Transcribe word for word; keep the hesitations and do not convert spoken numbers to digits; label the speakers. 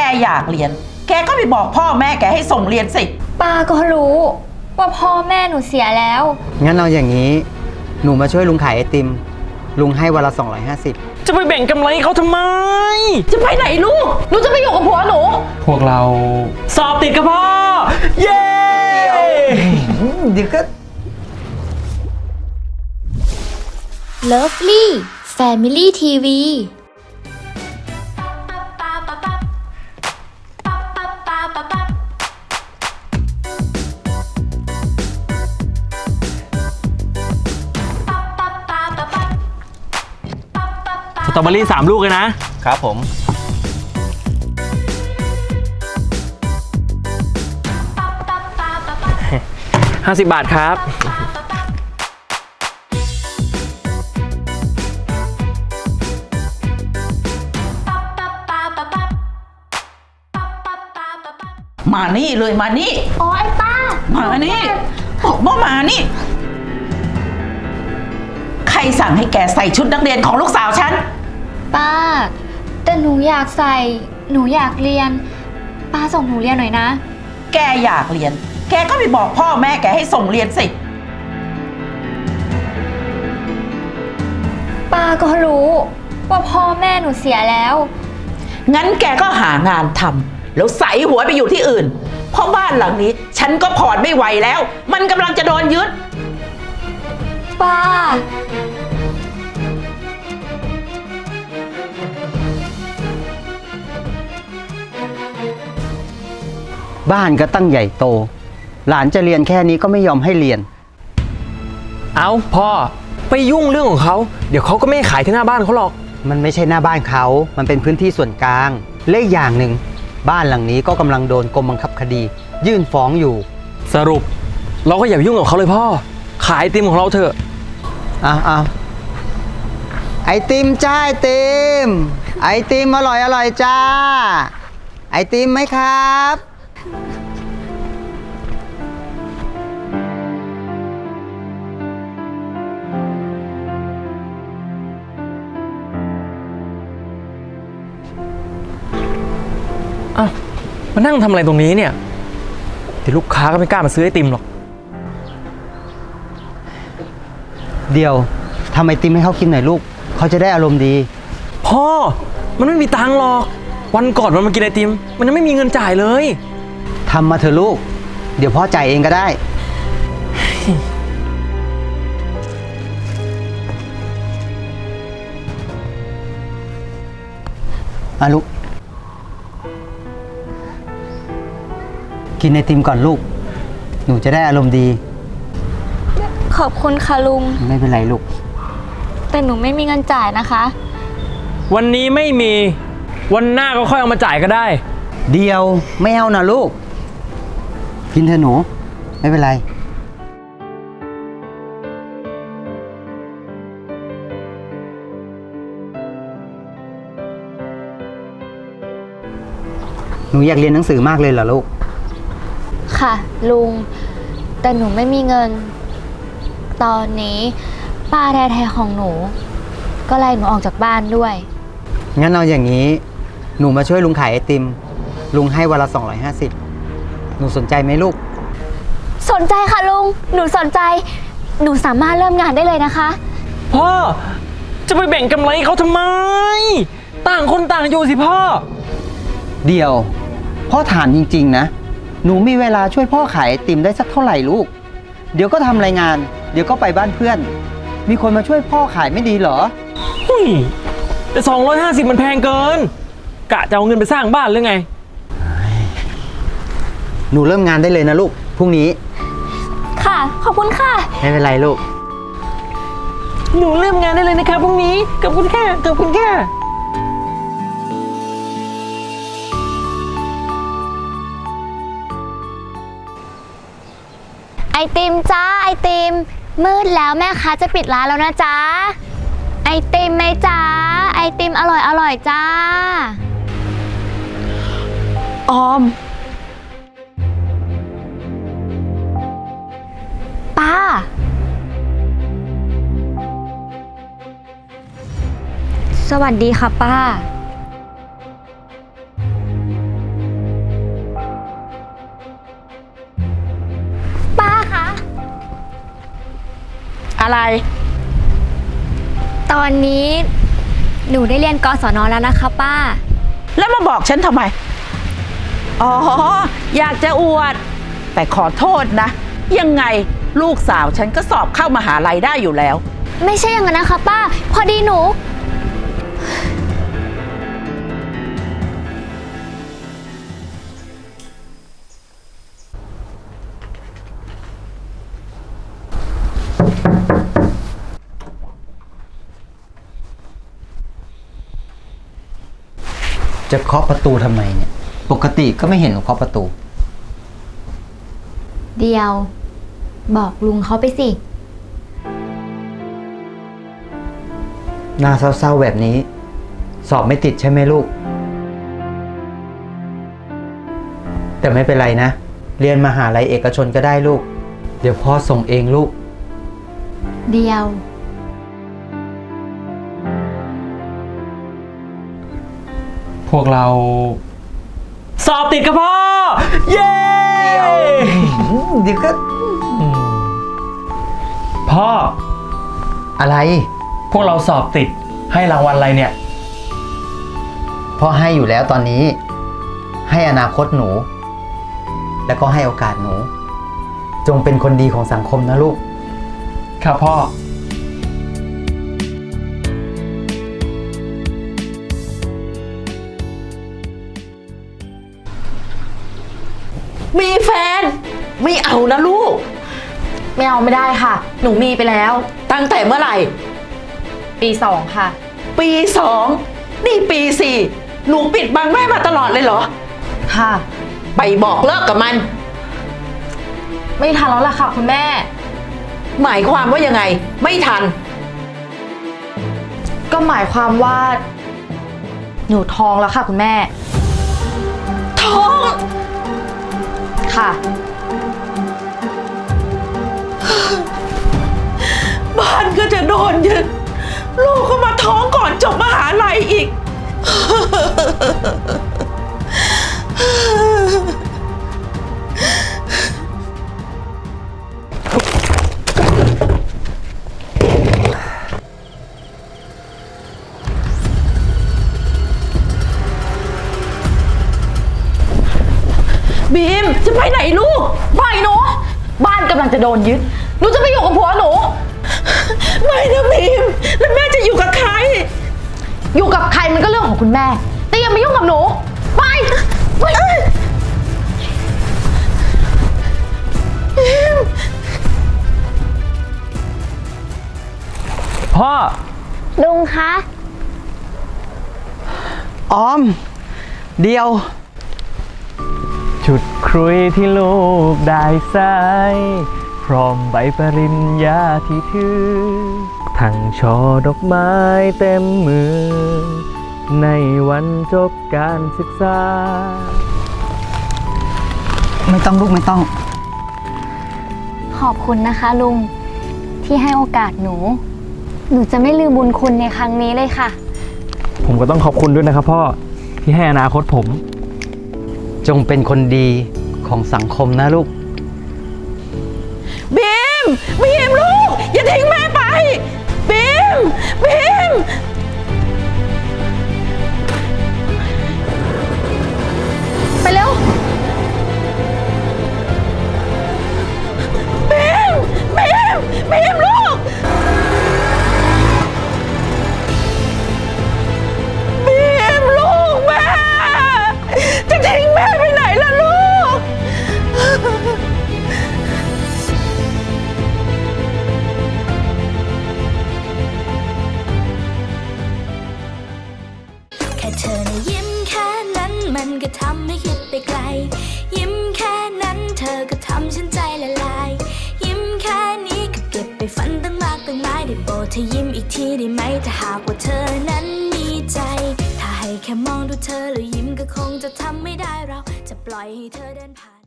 Speaker 1: อยากเรียนแกก็ไปบอกพ่อแม่แกให้ส่งเรียนสิ
Speaker 2: ป้าก็รู้ว่าพ่อแม่หนูเสียแล้ว
Speaker 3: งั้นเอาอย่างนี้หนูมาช่วยลุงขายไอติมลุงให้วันละสองร้อยห้าสิบ
Speaker 4: จะไปแบ่งกำไรเขาทำไม
Speaker 1: จะไปไหนลูกหนูจะไปอยู่กับผัวหนู
Speaker 4: พวกเราสอบติดกับพ่อเย้
Speaker 3: เดี๋ยวก็
Speaker 2: Lovely Family ที วี
Speaker 4: สตรอเบอรี่สามลูกเลยนะครับผมห้าสิบบาทครับ
Speaker 1: มานี่เลยมานี่
Speaker 2: อ๋อไอ้ป้า
Speaker 1: มานี่บอกว่ามานี่ใครสั่งให้แกใส่ชุดนักเรียนของลูกสาวฉัน
Speaker 2: ป้าแต่หนูอยากใส่หนูอยากเรียนป้าส่งหนูเรียนหน่อยนะ
Speaker 1: แกอยากเรียนแกก็ไปบอกพ่อแม่แกให้ส่งเรียนสิ
Speaker 2: ป้าก็รู้ว่าพ่อแม่หนูเสียแล้ว
Speaker 1: งั้นแกก็หางานทำแล้วใส่หัวไปอยู่ที่อื่นเพราะบ้านหลังนี้ฉันก็ผ่อนไม่ไหวแล้วมันกำลังจะโดนยึด
Speaker 2: ป้า
Speaker 3: บ้านก็ตั้งใหญ่โตหลานจะเรียนแค่นี้ก็ไม่ยอมให้เรียน
Speaker 4: เอาพ่อไปยุ่งเรื่องของเขาเดี๋ยวเขาก็ไม่ขายที่หน้าบ้านเขาหรอก
Speaker 3: มันไม่ใช่หน้าบ้านเขามันเป็นพื้นที่ส่วนกลางเลขอย่างหนึ่งบ้านหลังนี้ก็กำลังโดนกรมบังคับคดียื่นฟ้องอยู่
Speaker 4: สรุปเราก็อย่าไปยุ่งกับเขาเลยพ่อขายไอติมของเราเถอะ
Speaker 3: อ้าวอ้าวไอติมจ้าไอติมไอติมอร่อยอร่อยจ้าไอติมไหมครับ
Speaker 4: อ้าวมานั่งทำอะไรตรงนี้เนี่ยเดี๋ยวลูกค้าก็ไม่กล้ามาซื้อไอติมหรอก
Speaker 3: เดี๋ยวทำไอติมให้เขากินหน่อยลูกเขาจะได้อารมณ์ดี
Speaker 4: พ่อมันไม่มีตังค์หรอกวันก่อนมันมากินไอติมมันยังไม่มีเงินจ่ายเลย
Speaker 3: ทำมาเถอะลูกเดี๋ยวพ่อจ่ายเองก็ได้อ่ะลูกกินไอติมก่อนลูกหนูจะได้อารมณ์ดี
Speaker 2: ขอบคุณค่ะลุง
Speaker 3: ไม่เป็นไรลูก
Speaker 2: แต่หนูไม่มีเงินจ่ายนะคะ
Speaker 4: วันนี้ไม่มีวันหน้าก็ค่อยเอามาจ่ายก็ได้
Speaker 3: เดียวไม่เอานะลูกกินเถอะหนูไม่เป็นไรหนูอยากเรียนหนังสือมากเลยเหรอลูก
Speaker 2: ค่ะลุงแต่หนูไม่มีเงินตอนนี้ป้าแท้ๆของหนูก็ไล่หนูออกจากบ้านด้วย
Speaker 3: งั้นเอาอย่างนี้หนูมาช่วยลุงขายไอติมลุงให้วันละสองร้อยห้าสิบหนูสนใจไหมลูก
Speaker 2: สนใจค่ะลุงหนูสนใจหนูสามารถเริ่มงานได้เลยนะคะ
Speaker 4: พ่อจะไปแบ่งกำไรเขาทำไมต่างคนต่างอยู่สิพ่อ
Speaker 3: เดี๋ยวพ่อถามจริงๆนะหนูมีเวลาช่วยพ่อขายไอติมได้สักเท่าไหร่ลูกเดี๋ยวก็ทำรายงานเดี๋ยวก็ไปบ้านเพื่อนมีคนมาช่วยพ่อขายไม่ดีเหรอ
Speaker 4: หุ้ยแต่สองร้อยห้าสิบมันแพงเกินกะจะเอาเงินไปสร้างบ้านหรือไง
Speaker 3: หนูเริ่มงานได้เลยนะลูกพรุ่งนี้
Speaker 2: ค่ะขอบคุณค่ะ
Speaker 3: ไม่เป็นไรลูก
Speaker 4: หนูเริ่มงานได้เลยนะคะพรุ่งนี้ขอบคุณค่ะขอบคุณค่ะ
Speaker 2: ไอติมจ้าไอติมมืดแล้วแม่ค้าจะปิดร้านแล้วนะจ๊ะไอติมไหมจ๊ะไอติมอร่อยอร่อยจ้า
Speaker 1: ออม
Speaker 2: ป้าสวัสดีค่ะป้า
Speaker 1: อะไร
Speaker 2: ตอนนี้หนูได้เรียนกศนแล้วนะคะป้า
Speaker 1: แล้วมาบอกฉันทำไม อ๋อ อยากจะอวด แต่ขอโทษนะ ยังไงลูกสาวฉันก็สอบเข้ามหาลัยได้อยู่แล้ว
Speaker 2: ไม่ใช่อย่างนั้นนะคะป้า พอดีหนู
Speaker 3: จะเคาะประตูทำไมเนี่ย ปกติก็ไม่เห็นหนูเคาะประตู
Speaker 2: เดียว บอกลุงเขาไปสิ
Speaker 3: หน้าเศร้าๆแบบนี้ สอบไม่ติดใช่ไหมลูก แต่ไม่เป็นไรนะ เรียนมหาลัยเอกชนก็ได้ลูก เดี๋ยวพ่อส่งเองลูก
Speaker 2: เดียว
Speaker 4: พวกเรา สอบติดกับพ่อ เย้
Speaker 3: เดี๋ยวก็
Speaker 4: อืมพ่อ
Speaker 3: อะไร
Speaker 4: พวกเราสอบติดให้รางวัลอะไรเนี่ย
Speaker 3: พ่อให้อยู่แล้วตอนนี้ ให้อนาคตหนู แล้วก็ให้โอกาสหนู จงเป็นคนดีของสังคมนะลูก
Speaker 4: ครับพ่อ
Speaker 1: มีแฟน ไม่เอานะลูก
Speaker 5: ไม่เอาไม่ได้ค่ะ หนูมีไปแล้ว
Speaker 1: ตั้งแต่เมื่อไหร่
Speaker 5: ปีสองค่ะ
Speaker 1: ปีสอง นี่ปีสี่ หนูปิดบังแม่มาตลอดเลยเหรอ
Speaker 5: ค่ะ
Speaker 1: ไปบอกเลิกกับมัน
Speaker 5: ไม่ทันแล้วล่ะค่ะคุณแม่
Speaker 1: หมายความว่ายังไง ไม่ทัน
Speaker 5: ก็หมายความว่า หนูท้องแล้วค่ะคุณแม่
Speaker 1: ท้อง
Speaker 5: ค่ะ
Speaker 1: บ้านก็จะโดนยึด ลูกก็มาท้องก่อนจบมหาลัยอีก บีม จะไปไหนลูก
Speaker 5: ปล่อยหนู บ้านกำลังจะโดนยึด หนูจะไปอยู่กับผัวหนู
Speaker 1: ไม่นะบีม แล้วแม่จะอยู่กับใคร
Speaker 5: อยู่กับใครมันก็เรื่องของคุณแม่ แต่อย่ามายุ่งกับหนู ไปไป
Speaker 4: พ่อ
Speaker 2: ลุงคะ
Speaker 3: ออม เดียว
Speaker 4: ชุดครุยที่ลูกได้ใส่พร้อมใบปริญญาที่ถือ ทั้งช่อดอกไม้เต็มมือ ในวันจบการศึกษา
Speaker 3: ไม่ต้องลูกไม่ต้อง
Speaker 2: ขอบคุณนะคะลุง ที่ให้โอกาสหนู หนูจะไม่ลืมบุญคุณในครั้งนี้เลยค่ะ
Speaker 4: ผมก็ต้องขอบคุณด้วยนะครับพ่อ ที่ให้อนาคตผม
Speaker 3: จงเป็นคนดีของสังคมนะลูก
Speaker 1: บีม บีมลูก อย่าทิ้งแม่ไป บีม บีม
Speaker 5: ไปเร็ว
Speaker 1: บีม บีม บีมลูก บีมลูกแม่ จะทิ้งแม่ไปไหนล่ะลูก
Speaker 6: แค่เธอนะยิ้มแค่นั้นมันก็ทำให้คิดไปไกล ยิ้มแค่นั้นเธอก็ทำฉันใจละลาย ยิ้มแค่นี้ก็เก็บไปฝันตั้งมากตั้งหลายได้โปรดเธอยิ้มอีกทีได้ไหมถ้าหากว่าเธอนั้นมีใจ ถ้าให้แค่มองดูเธอแล้วยิ้มก็คงจะทำไม่ได้เราจะปล่อยให้เธอเดินผ่าน